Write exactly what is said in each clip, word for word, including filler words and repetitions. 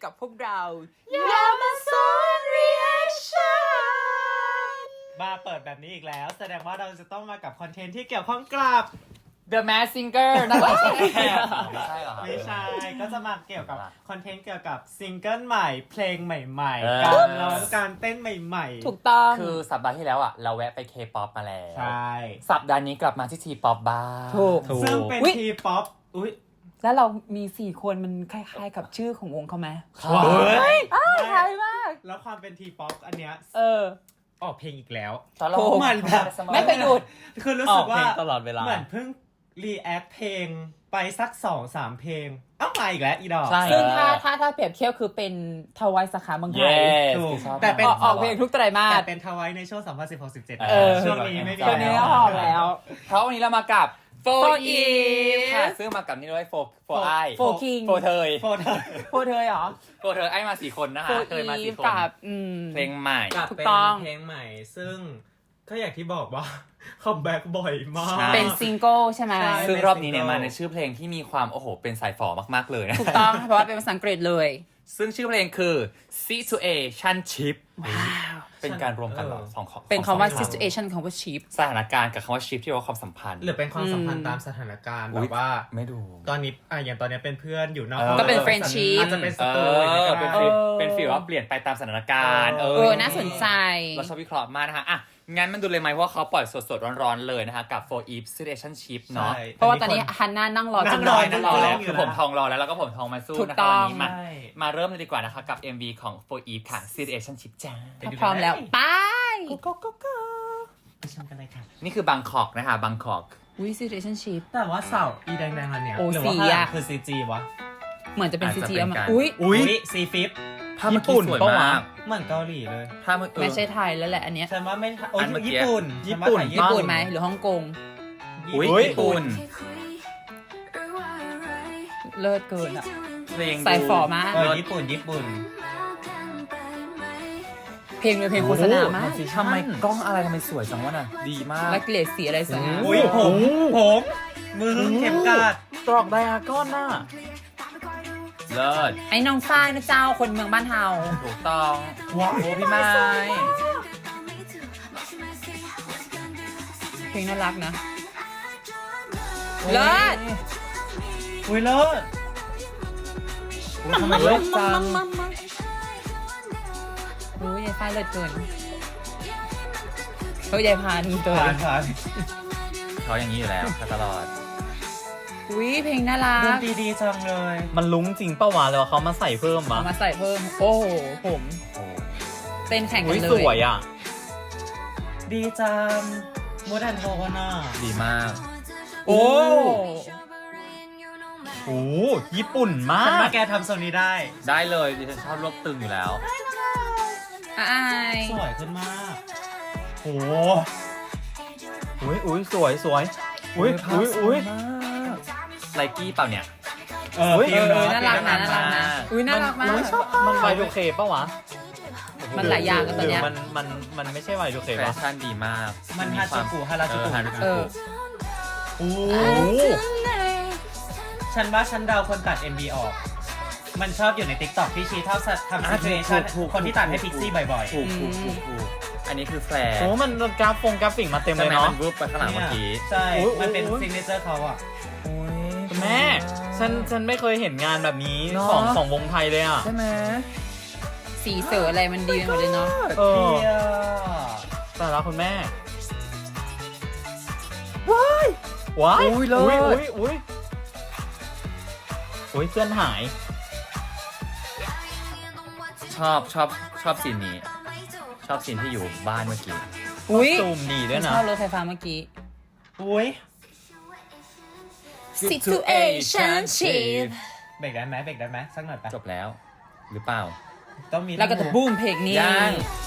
กับพวกเรา Yamason Reaction มาเปิดแบบนี้อีกแล้วแสดงว่าเราจะต้องมากับคอนเทนต์ที่เกี่ยวข้องกับ The Masked Singer นะคะไม่ใช่เหรอครับไม่ใช่ก็จะมาเกี่ยวกับคอนเทนต์เกี่ยวกับซิงเกิลใหม่เพลงใหม่เออๆการร้องการเต้นใหม่ๆถูกต้องคือสัปดาห์ที่แล้วอ่ะเราแวะไป K-pop มาแล้วใช่สัปดาห์นี้กลับมาที่ T-pop บ้างถูกซึ่งเป็นอุ๊ยทีป๊อปอุ้ยแล้วเรามีสี่คนมันคล้ายๆกับชื่อของวงเขาไหมว้ายอ้าวคล้ายมากแล้วความเป็นทีป๊อปอันเนี้ยเออออกเพลงอีกแล้วตอนเราถูกเหมือนแบบไม่เคยหยุดคือรู้สึกว่าออกเพลงตลอดเวลาเหมือนเพิ่งรีแอคเพลงไปสักสองสามเพลงเอ้ามาอีกแล้วอีดอกใช่ซึ่งถ้าถ้าถ้าเปรียบเทียบคือเป็นทวายสาขาเมืองไทเย้ยถูกชอบแต่เป็นออกออกเพลงทุกไตรมาแต่สเป็นทวายในช่วงสองพันสิบหก สิบเจ็ดเออช่วงนี้ไม่มีช่วงนี้แล้วออกแล้วเพราะวันนี้เรามากับโฟ Four อี Eve ค่ะซึ่งมากับนี่ด้วยโฟโฟไอโฟคิงโฟเทยโฟเธอโพเธอเหรอโฟเทยไอมาสี่คนนะโฟคะเทยมาอีสี่ฟคนกับอืมเพลงใหม่กับถูกเป็นต้องเพลงใหม่ ซึ่งก็อย่างที่บอกว่า คัมแบ็กบ่อยมากใช่เป็นซิงเกิลใช่ไหมใช่ซึ่งรอบนี้เนี่ยเป็นมา single ในชื่อเพลงที่มีความโอ้โหเป็นสายฝอมากๆเลยนะถูกต้อง เพราะว่าเป็นภาษาอังกฤษเลยซึ่งชื่อเพลงคือ Situationship เป็นการรวมกันเหรอเออสองของเป็นคำว่าสอง situation คำว่า sheep สถานการณ์กับคำว่า ship ที่ว่าความสัมพันธ์หรือเป็นความสัมพันธ์อืมตามสถานการณ์อุ๊แบยบว่าไม่ดูตอนนี้อ่ะอย่างตอนนี้เป็นเพื่อนอยู่นอกเออห้องก็เป็นอาจจะ friendship อาจจะเป็นศัเอตรูออย่างเป็นเงี้ยก็ฟีลได้เป็นฟีลว่าเปลี่ยนไปตามสถานการณ์เออเออ น่าสนใจเราชอบวิเคราะห์มากนะคะอ่ะงั้นมันดูเลยไหมเพราะว่าเขาปล่อยสดๆร้อนๆเลยนะคะกับ For Eve Situationship เนาะใช่เพราะว่าตอนนี้ฮันน่านั่งรอนั่จงนรรออนั่นั่งงรรออแล้แล้ว วคือผมทองรอแล้วแล้วก็ผมทองมาสู้ถูกนะต้คะองวันนี้มาใช่มาเริ่มเลยดีกว่านะคะกับ เอ็ม วี ของ For Eve ค่ะ Situationship จ้าถ้าพร้อมแล้วไปก็ก็ก็ก็ไปชมกันเลยค่ะนี่คือบางกอกนะคะบางกอกวิ situationship แต่ว่าเสาอีแดงๆอันเนี้ยโอ้หรือว่าสีข้างหลังอะคือซีจีวะเหมือนจะเป็นอาจซีจะจีเป็นมาการอุ้ยอุ้ยซีฟิปภาพเมื่อกี้สวยมากเหมือนเกาหลีเลยภาพเมื่อกี้ไม่ใช่ไทยแล้วแหละอันเนี้ยฉันว่าไม่โอ้ยอันเมื่อกี้ญี่ปุ่นญี่ปุ่นฉัว่าถ่ายญี่ปุ่นไหมหรือฮ่องกงอุ้ยญี่ญี่ปุ่นเลิศเกินอ่ะเพลงใส่ฝอมากเออญี่ปุ่นญี่ปุ่นเพลงเป็นเพลงโฆษณามากทำไมกล้องอะไรทำไมสวยจังวะน่ะดีมากและเกรดสีอะไรสวยงามอุ้ยผมผมมือเข็มกลัดตรอกไดอาก้อนน่ะเลิศไอ้น้องฝ้ายนะเจ้าคนเมืองบ้านเฮาถูกต้องว้าวโอ้พี่ไม้เพลงน่ารักนะ เลิศอุ้ยเลิศอุ๊ยทำไมเลิศจังโอ้ยยายฝ้ายเลิศเกินเฮ้ยยายพานเกิผ่านนผ่านเขาอย่างนี้อยู่แล้วตลอดอุ้ยเพลงน่ารัดนกตรีดีจังเลยมันลุ้งจริงเป้าวะแล้วเขามาใส่เพิ่มเอามะมาใส่เพิ่ม โอ้โหผมโอ้เต้นแข่งกัอุ้นยเลสยวยอ่ะดีจังมูดันโทนอ่ะดีมากโอ้โอ้ญี่ปุ่นมาฉันว่าก แกทำโซนนี้ได้ได้เลยดิฉันชอบรวบตึงอยู่แล้วอายสวยขึ้นมากโอ้อุ้ยอุ้ยสวยสวยอุ้ยอุ้ยอุ้ยไลกี้เปล่าเนี่ยเอออุ๊ยฟิลเออเอะน่ารักนะน่ารักนะอุ้ยน่ารักมากมันไวดูเคปะวะมันหลายอย่างกันตอนเนี้ยหรืมันมันมันไม่ใช่ไวดูเคแฟปะชั่นดีมากมันฮาจูกุฮาราจูกุเออฮาราจูเอกุอโอ้โอ้ฉันว่าฉันเดาคนตัด เอ็ม วี ออก มันชอบอยู่ใน ติ๊กต็อก ที่ชี้เท่าทำอ่ะซิถูทูเอกถูกถูกคนที่ตัดให้พิกซี่บ่อยถูกถูกถูกถูกอันนี้คือแฟร์โหมันกราฟฟงกราฟิกมาเต็มใช่เลยไหมเนาะมันรูปไปข้างหลังเมื่อกี้ๆ ใช่อุ๊ยมันเป็นอุ๊ยซิงเกิลเขาอ่ะคุณแม่ ฉันฉันไม่เคยเห็นงานแบบนี้เนอะของของวงไทยเลยอ่ะใช่ไหมสีเสืออะไรมันดีไปหมดเลยเนาะเออเที่ยแต่ละคุณแม่ ว้ายว้ายอุ้ยเลิศอุ้ยอุ้ยอุ้ยอุ้ยเพื่อนหายชอบชอบชอบซีนนี้ ชอบซีนที่อยู่บ้านเมื่อกี้อุ้ยซูมดีด้วยชนะอบรถไฟฟ้าเมื่อกี้อุ้ย situationship เบรกได้ไหมเบรกได้ไหมสักหน่อยไปจบแล้ว หรือเปล่าต้องมีแล้วก็จะบูมเพลงนี้ยัง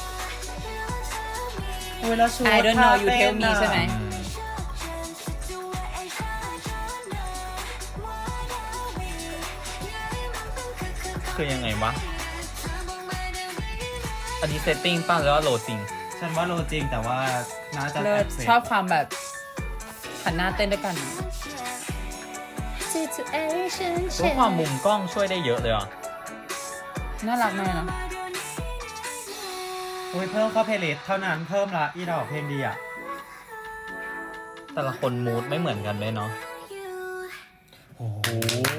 อุ้ยแล้วชู I don't know you tell me ใช่ไหมอืมคือยังไงวะ อันนี้เซตติ้งป่ะหรือว่าโหลดจริงฉันว่าโลจริงแต่ว่าน่าจะเลิศแบเสร็จชอบความแบบหันหน้าเต้นด้วยกันเพราะความมุมกล้องช่วยได้เยอะเลยอ่ะน่ารักมากนะโอ้ยเพิ่มเข้าเพลย์ลิสต์เท่านั้นเพิ่มละอีดอกเพลงดีอ่ะแต่ละคนมูดไม่เหมือนกันเลยเนาะโอ้โห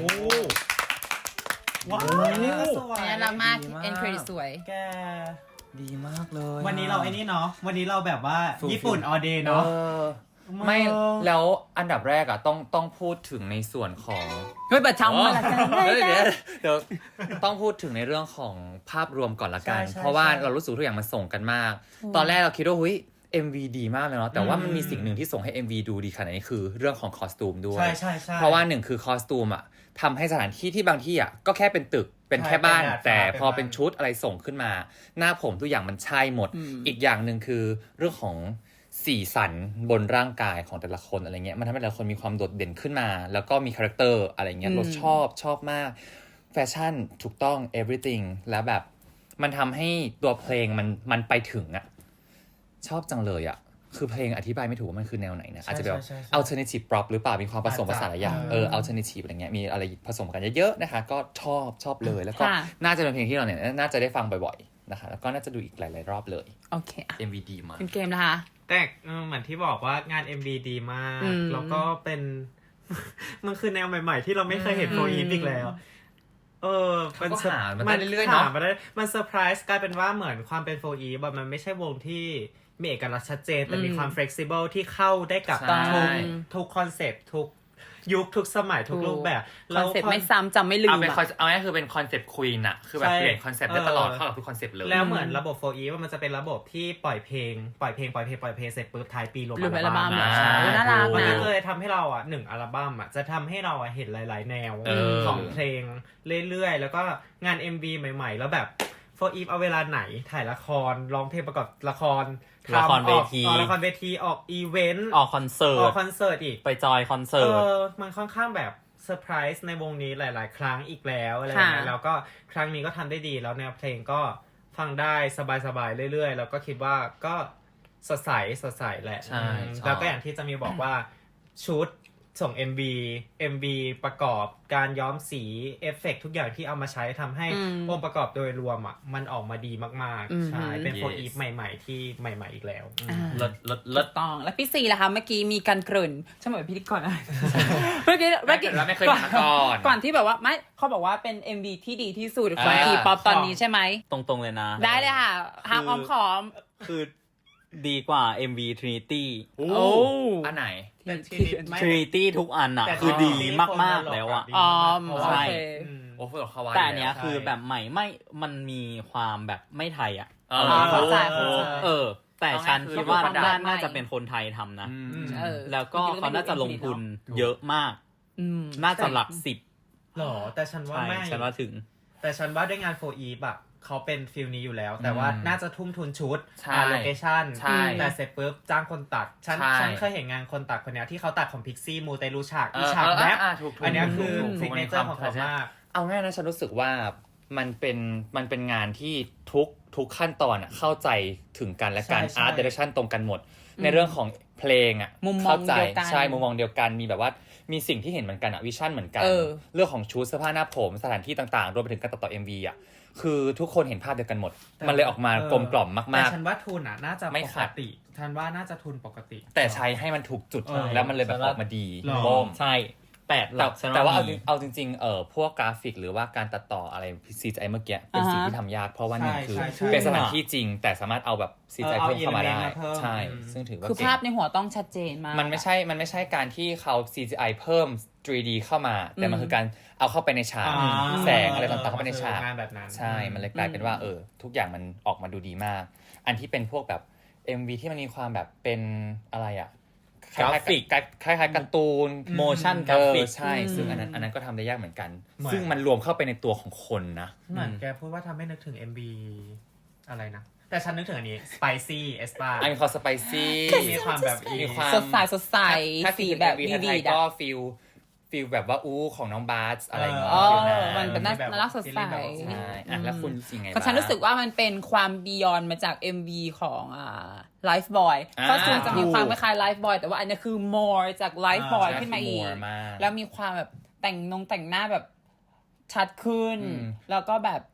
ว้าวสวยน่ารักมากดีมากเอ็นเครดิตสวยแกดีมากเลยวันนี้เราไอ้นี่เนาะวันนี้เราแบบว่าฟูลญี่ปุ่นออเดย์เอเนาะอไม่แล้วอันดับแรกอ่ะต้องต้องพูดถึงในส่วนของเฮ้ยประจำมาละกันเดี๋ยวเดี๋ยวเดี๋ยวต้องพูดถึงในเรื่องของภาพรวมก่อนละกัน เพราะว่าเรารู้สึกทุกอย่างมันส่งกันมาก ตอนแรกเราคิดว่าเฮ้ย เอ็ม วี ดีมากเลยเนาะแต่ว่ามันมีสิ่งหนึ่งที่ส่งให้ เอ็ม วี ดูดีขนาดนี้คือเรื่องของคอสตูมด้วยใช่ใช่ใช่เพราะว่าหนึ่งคือคอสตูมอ่ะทำให้สถานที่ที่บางที่อ่ะก็แค่เป็นตึกเป็นแค่บ้านใช่เป็นดาดฟ้าแต่พอเป็นบ้านเป็นชุดอะไรส่งขึ้นมา หน้าผมทุกอย่างมันใช่หมด อีกอย่างหนึ่งคือเรื่องของสีสันบนร่างกายของแต่ละคนอะไรเงี้ยมันทำให้แต่ละคนมีความโดดเด่นขึ้นมา แล้วก็มีคาแรคเตอร์อะไรเงี้ยเราชอบชอบมากแฟชั่นถูกต้อง everything แล้วแบบมันทำให้ตัวเพลงมันมันไปถึงอ่ะชอบจังเลยอ่ะคือเพลงอธิบายไม่ถูกว่ามันคือแนวไหนนะอาจจะแบบใช่ใช่ใช่ alternative pop หรือเปล่ามีความผสมผสานหลายอย่างอาจจะเออ alternative อะไรเงี้ยมีอะไรผสมกันเยอะๆนะคะก็ชอบชอบเลยแล้วก็ค่ะน่าจะเป็นเพลงที่เราเนี่ยน่าจะได้ฟังบ่อยๆนะคะแล้วก็น่าจะดูอีกหลายๆรอบเลยโอเคอ่ะเอ็ม วี ดีมากเป็นเกมนะคะแต่เออเหมือนที่บอกว่างาน เอ็ม วี ดีมากอืมแล้วก็เป็น มันคือแนวใหม่ๆ ที่เราไม่เคยเห็นโฟอีฟอีกแล้ว เออเขาก็หามาได้เรื่อยๆเนอะหมาได้มันเซอร์ไพรส์กลายเป็นว่าเหมือนความเป็นโฟอีฟมันไม่ใช่วงที่มีเอกลักษณ์ชัดเจน แต่มีความ flexible ที่เข้าได้กับใช่ทุกทุกคอนเซปต์ทุกยุคทุกสมัยทุกรูปแบบคอนเซ็ปต์ไม่ซ้ำจำไม่ลืเอามเป็นอะคอนเอาง่ายๆคือเป็นคอนเซปต์ควีนอะคือแบบใช่เปลี่ยนคอนเซปต์ได้ตลอดเออเข้ากับทุกคอนเซปต์เลยแล้วเหมือนระบบโฟอีฟมันจะเป็นระบบที่ปล่อยเพลงปล่อยเพลงปล่อยเพลงปล่อยเพลงเสร็จปุ๊บท้ายปีรวมรวมอัลบั้มอะใช่น่ารักมันนะก็เลยทำให้เราอ่ะหนึ่งอัลบั้มอ่ะจะทำให้เราอ่ะเห็นหลาย ๆ แนวเออของเพลงเรื่อย ๆ แล้วก็งาน เอ็ม วี ใหม่ ๆ แล้วแบบโฟอีฟเอาเวลาไหนถ่ายละครร้องเพลงประกอบละครละครเวทีออกละครเวทีออกอีเวนต์ออกคอนเสิอร์อตกคอนเสิร์ตอีกไปจอยคอนเสิเอร์ตอมันค่อนข้างแบบเซอร์ไพรส์ในวงนี้หลาย ๆ ครั้งอีกแล้วอะไรอย่างเงี้ยค่ะแล้วก็ครั้งนี้ก็ทำได้ดีแล้วแนวเพลงก็ฟังได้สบาย ๆ เรื่อย ๆ แล้วก็คิดว่าก็สดใสสดใสแหละใช่อืมชอบแล้วก็อย่างที่จะมีบอกว่าชุดส่ง เอ็ม วี เอ็ม วี ประกอบการย้อมสีเอฟเฟกต์ทุกอย่างที่เอามาใช้ทำให้อืมองค์ประกอบโดยรวมอ่ะมันออกมาดีมากอืมๆ ใช่ เป็น Yes โฟอีฟใหม่ ๆ ที่ใหม่ ๆ อีกแล้วอืมอ่าเลิศเลิศถูเลิศกต้องแล้วพี่ซีล่ะคะเมื่อกี้มีการเกริ่นฉันบอกว่าพิธีกรอะไรเมื่อกี้เมื่อกี้แล้วไม่เคยเห็นมาก่อนก่อนที่แบบว่าไม่เขาบอกว่าเป็น เอ็ม วี ที่ดีที่สุดของอ่าทีป๊อปตอนนี้ใช่ไหมตรงๆเลยนะได้เลยค่ะหามอ้อมขอมคือดีกว่า เอ็ม วี Trinity โอ้โอ้อันไหนแต่ทีนี้ไม่ Trinity ทุกอันอะแต่คือดีที่มากๆแล้วอะดีอ๋อมากๆเพราะว่าใช่โอเคอืมโอ้ฟุตบอลคาวาแต่อันเนี้ยใช่คือแบบใหม่ไม่ มันมีความแบบไม่ไทยอะเอออ่าเข้าใจเข้าใจเออ แต่ฉันคิดว่าเอาง่ายๆคือน่าประดับน่าจะเป็นคนไทยทำนะอืมอืมเออแล้วก็เขาน่าจะลงทุนเยอะมากอืมน่าจะหลักสิบหรอแต่ฉันว่าใช่ไม่ฉันว่าถึงแต่ฉันว่าด้วยงานโฟอีฟอะเขาเป็นฟิลนี้อยู่แล้ว แต่ว่าอืมน่าจะทุ่มทุนชุดใช่โลเคชั่นใช่แต่เสร็จปุ๊บจ้างคนตัด ฉันใช่ฉันเคยเห็นงานคนตัดคนเนี้ยที่เขาตัดของพิกซี่มูเตลูฉากเออีอฉากเออแรปอ่ะถูกๆอันเนี้ยคือถูกๆซิกเนเจอร์ของเขามากเอาง่ายนะฉันรู้สึกว่ามันเป็นมันเป็นงานที่ทุกทุกขั้นตอนอะเข้าใจถึงกันและกันใช่ใช่อาร์ตเดเรคชั่นตรงกันหมด ในเรื่องของเพลงอะมุมมองเข้าใจเดียวกันใช่มุมมองเดียวกันมีแบบว่ามีสิ่งที่เห็นเหมือนกันอะวิชั่นเหมือนกันเออเรื่องของชุดเสื้อผ้าหน้าผมสถานที่ต่างๆรวมไปถึงการตัดต่อ เอ็ม วี อะคือทุกคนเห็นภาพเดียวกันหมด มันเลยออกมากลมกล่อมแต่มากฉันว่าทุนอะน่าจะไม่ปขักดติฉันว่าน่าจะทุนปกติๆ แต่ใช้ให้มันถูกจุดเออแล้วมันเลยแบบออกมาดีหรอโบ้มใช่แปดหแต่ลักฉันแต่ว่าเอามีจริงเอาจริงๆเออพวกกราฟิกหรือว่าการตัดต่ออะไร ซี จี ไอ เมื่อกี้เป็นสิ่งที่ทำยากเพราะว่าหนึ่งคือใช่ใช่เป็นสถานที่จริง แต่สามารถเอาแบบ ซี จี ไอเออเอาเพิ่มเข้ามาได้ element มาเพิ่มใช่อืมซึ่งถือว่าคือเก่งภาพในหัวต้องชัดเจนมากมันไม่ใช่มันไม่ใช่การที่เขา ซี จี ไอ เพิ่ม ทรี ดี เข้ามา แต่มันคือการเอาเข้าไปในฉากอ่าแสงอะไรต่างๆเข้าไปในฉากงานแบบนั้นใช่มันเลยกลายเป็นว่าเออทุกอย่างมันออกมาดูดีมาก อันที่เป็นพวกแบบ เอ็ม วี ที่มันมีความแบบเป็นอะไรอะกราฟิกคล้ายๆการ์ตูน motion เอ graphic อใช่ ซึ่งอันนั้นอันนั้นก็ทำได้ยากเหมือนกันเหมือนซึ่งมันรวมเข้าไปในตัวของคนนะเหมือนแกพูดว่าทำให้นึกถึง เอ็ม บี อะไรนะ แต่ฉันนึกถึงอันนี้ Spicy e s p a อันนี้เขาสไปซี่มีความแบบอีมีความสดใสสดใสถ้าสีสีแบบวีวีไทวียดก็อะฟิลฟิลแบบว่าอู้ของน้องบาสอะไรอย่างเงี้ยเออฟิลนั้นมันเป็นน่าแบบน่ารักสดใสซีรีส์แบบใช่อ่ะแล้วคุณสิ่งไงเพราะฉันรู้สึกว่ามันเป็นความบียอนมาจาก เอ็ม วี ของอ่า Life Boy อ่าก็ส่วนจะมีความคล้ายๆ Life Boy แต่ว่าอันนี้คือ more จาก Life Boy อ่าขึ้นมาอีก more มากแล้วมีความแบบแต่งนงแต่งหน้าแบบชัดขึ้นอืมแล้วก็แบบ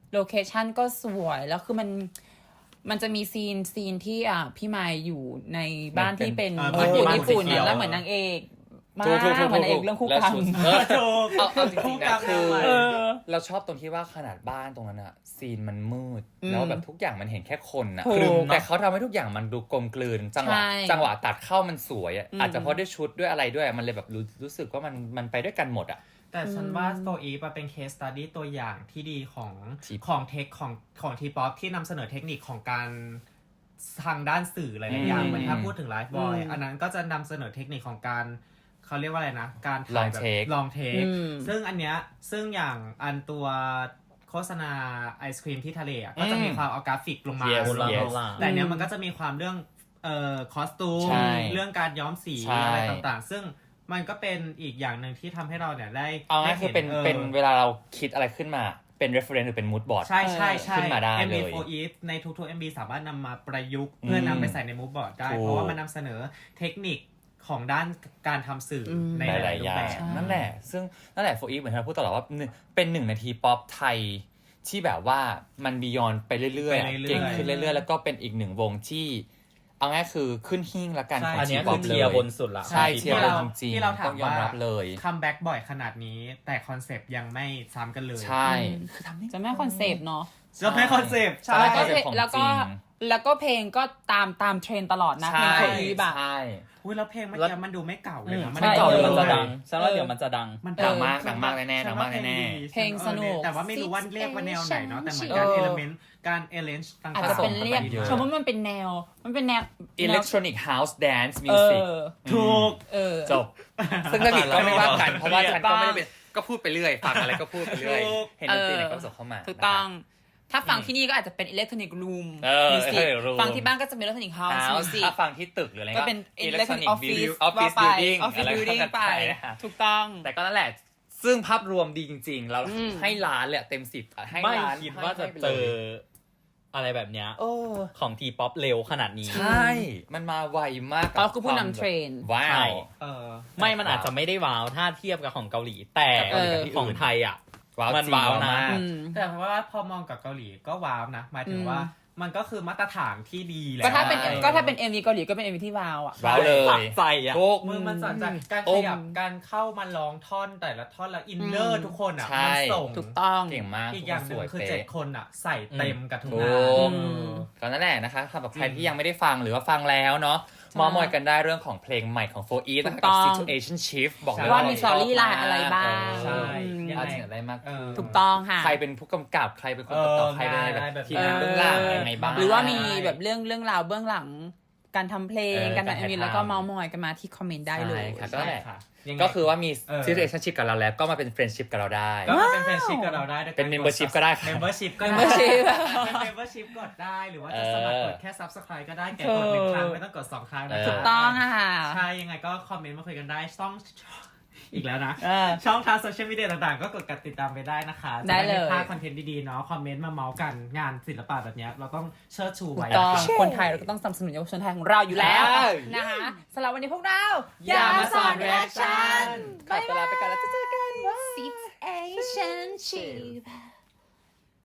โลเคชั่นก็สวยแล้วคือมันมันจะมีซีนซีนที่อ่ะพี่ไมค์อยู่ในบ้านที่เป็นเออญี่ปุ่นบ้านญี่ปุ่นสีเขียวแล้วเหมือนนางเอกมากถูกถูกถูกเหมือนนางเอกเรื่องคู่กรรมแล้วชุดเออถูกเอาเอาจริงๆนะคือเออเราชอบตรงที่ว่าขนาดบ้านตรงนั้นอะซีนมันมืดอืมแล้วแบบทุกอย่างมันเห็นแค่คนอะถูกคือแต่เขาทำให้ทุกอย่างมันดูกลมกลืนจังหวะใช่จังหวะตัดเข้ามันสวยอะอืมอาจจะเพราะด้วยชุดด้วยอะไรด้วยมันเลยแบบรู้รู้สึกว่ามันมันไปด้วยกันหมดอะแต่ฉันว่าโฟอีฟเป็นเคสสตัดดี้ตัวอย่างที่ดีของ T-pop ของเทคของของทีป๊อปที่นำเสนอเทคนิคของการทางด้านสื่อหลายๆอย่างอืมเหมือนถ้าพูดถึงไลฟ์บอยอืมอันนั้นก็จะนำเสนอเทคนิคของการเขาเรียกว่าอะไรนะ การถ่ายแบบ Long take ลองเทคอืมซึ่งอันเนี้ยซึ่งอย่างอันตัวโฆษณาไอศครีมที่ทะเลอะก็จะมีความเอากราฟิกลงมา Yes โบราณ yes โบราณแต่อันเนี้ยมันก็จะมีความเรื่องเอ่อคอสตูมใช่เรื่องการย้อมสีใช่อะไรต่างๆ ซึ่งมันก็เป็นอีกอย่างหนึ่งที่ทำให้เราเนี่ยได้เอาง่ายได้คือเป็นออเป็นเวลาเราคิดอะไรขึ้นมาเป็น reference หรือเป็น mood board ใช่ใช่ใช่ขึ้นมาได้เอ็มเลบียโฟร์ Eat ในทุกๆ เอ็ม บี สามารถนำมาประยุกต์เพื่อนำไปใส่ในมูฟบอร์ดได้ถูกเพราะว่ามันนำเสนอเทคนิคของด้านการทำสื่ออมในหหลาลายยๆๆรูอปย่างแบบนั่นแหละ ซึ่งนั่นแหละโฟอีฟเหมือนที่เราพูดตลอดว่าหนึ่งเป็นหนึ่งนาทีป๊อปไทยที่แบบว่ามันบียอนไปเรื่อยไปๆเรื่อยๆเก่งขึ้นเรื่อยๆ แล้วก็เป็นอีกหนึ่งวงที่ เอาง่ายคือขึ้นหิ้งละกันใช่ของอันทีเนี้ยป๊คือ อปเทีเลยยร์บนสุดละใช่เทียร์ที่บนเราจริงที่เราถามต้องยอมว่ารับเลยคัมแบ็กบ่อยขนาดนี้ แต่คอนเซปต์ยังไม่ซ้ำกันเลยใช่จะไม่คอนเซปต์เนาะจะไม่คอนเซปต์ใช่แล้วก็คอนเซปต์ของแล้วก็จริงแล้วก็เพลงก็ตามตามเทรนด์ตลอดนะเพลงใช่โคอีบะใช่อุ้ยแล้วเพลงเมื่อแล้วกี้มันดูไม่เก่าเลยนะไม่เก่าใช่เดี๋ยวมันจะเออดังฉันว่าเดี๋ยวมันจะดังมันดังมากฉัดังมากแน่ๆฉัดังมากว่แน่ดีเพลงสนุกแต่ว่าไม่รู้ว่าเรียกว่าแนวไหนเนาะแต่เหมือนเอการอเอลเมนต์การเอเลนจ์ต่างๆอาจจะเป็นเรียกเยอะชมว่ามันเป็นแนว มันเป็นแนวอิเล็กทรอนิกส์เฮาส์แดนซ์มิเอวสิกอถูกเออจบ ซึ่งถ้าผิดก็ไม่ว่ากัน เพราะว่าฉันก็ถูกต้องไม่ได้เป็นก็พูดไปเรื่อยฟังอะไรก็พูดไปเรื่อยถูกเห็นดนตรีไหนก็ส่งเข้ามาถูกต้อง ถ้าฟังที่นี่ก็อาจจะเป็นอิเล็กทรอนิกส์รูมเออมิวสิกเออ room ฟังที่บ้านก็จะเป็นอิเล็กทรอนิกส์เฮานะส์มิวสิกถ้าฟังที่ตึกหรืออะไรก็เป็นอิอิเล็เล็กกททรรออนินิกกส์ออฟฟิศออฟฟิศบิลดิ้งออฟฟิศบิลดิ้งไป ถูกต้องแต่ก็นั่นแหละ ซึ่งภาพรวมดีจริงๆ เราอืมให้ล้านเลยอะเต็มสิบอะให้ไม่ล้านคิดว่าจะให้ไปเจลอย อะไรแบบเนี้ยโอ้ของทีป๊อปเร็วขนาดนี้ใช่ มันมาไวมากเขาคือผู้นำเทรนด์ว้าใช่วเออไม่มันอาจจะไม่ได้ว้าวถ้าเทียบกับของเกาหลี แต่กับเกาหลีกับที่อื่นของไทยอ่ะว้าวมันจริงว้าวนะมากอืมแต่เพราะว่าพอมองกับเกาหลีก็ว้าวนะหมายถึงอืมว่ามันก็คือมาตรฐานที่ดีแล้วก็ถ้าเป็นใช่ก็ถ้าเป็น เอ็ม วี เกาหลีก็เป็น เอ็ม วี ที่ว้าวอ่ะว้าวเลยสะใจอ่ะทุกมือมันสนใจการโอ้ขยับการเข้ามาร้องท่อนแต่ละท่อนแล้วอินเนออืร์มทุกคนอ่ะใช่มันส่งถูกต้องเก่งมากอีกอย่างหนึ่งคือเจ็ดคนอ่ะ ใส่เต็มกับทุกถูงานกอืมก็นั่นแหละนะคะสำหรับใครจริงที่ยังไม่ได้ฟังหรือว่าฟังแล้วเนาะใช่มอมอยกันได้เรื่องของเพลงใหม่ของโฟอีฟถูนะกคะต้กับอง Situation Shift บอกเลยว่าว่ามีสตอรี่ไลน์อะไรบ้างใช่อืมยังอาจไงจะได้มากเออถูกต้องค่ะใครเป็นผู้กำกับใครเป็นคนตัดต่อเออใครเป็นอะไรแบบได้แบบทีมงานเบื้องหลังยังไงบ้างหรือว่ามีใช่แบบเรื่องเรื่องราวเบื้องหลัง การทำเพลงเออการการทำถ่ายเอ็มวีทำแล้วก็เมาส์มอยกันมาที่คอมเมนต์ได้เลยใช่ค่ะ ก็แหละค่ะยังไงก็คือว่ามีเออ Situationship กับเราแล้วก็มาเป็น Friendship กับเราได้ก็มาเป็นเฟรนชิพกับเราได้ด้วยเป็น membership ก็ได้ค่ะเมมเบอร์ชิพก็ได้ membership เป็นเมมเบอร์ชิพกดได้ หรือว่าจะสมัครกดแค่ subscribe ก็ได้แกกดหนึ่งครั้งไม่ต้องกดสองครั้งนะเออถูกต้องอะค่ะใช่ยังไงก็คอมเมนต์มาคุยกันได้ช่องอีกแล้วนะเออช่องทางโซเชียลมีเดียต่างๆ ก็กดติดตามไปได้นะคะได้เลยจะม่พลาดคอนเทนต์ดีๆเนาะคอมเมนต์มาเมาส์กันงานศิลปะแบบเนี้ยเราต้องเชิดชูถูไว้กต้องคนไทยเราก็ต้องสนับสนุนเยาวชนไทยของเราอยู่แล้วใช่นะคะสำหรับวันนี้พวกเราอย่ามาสอน reaction ขอตัวลาไปก่อนแล้วจะเจอกัน Situation Chief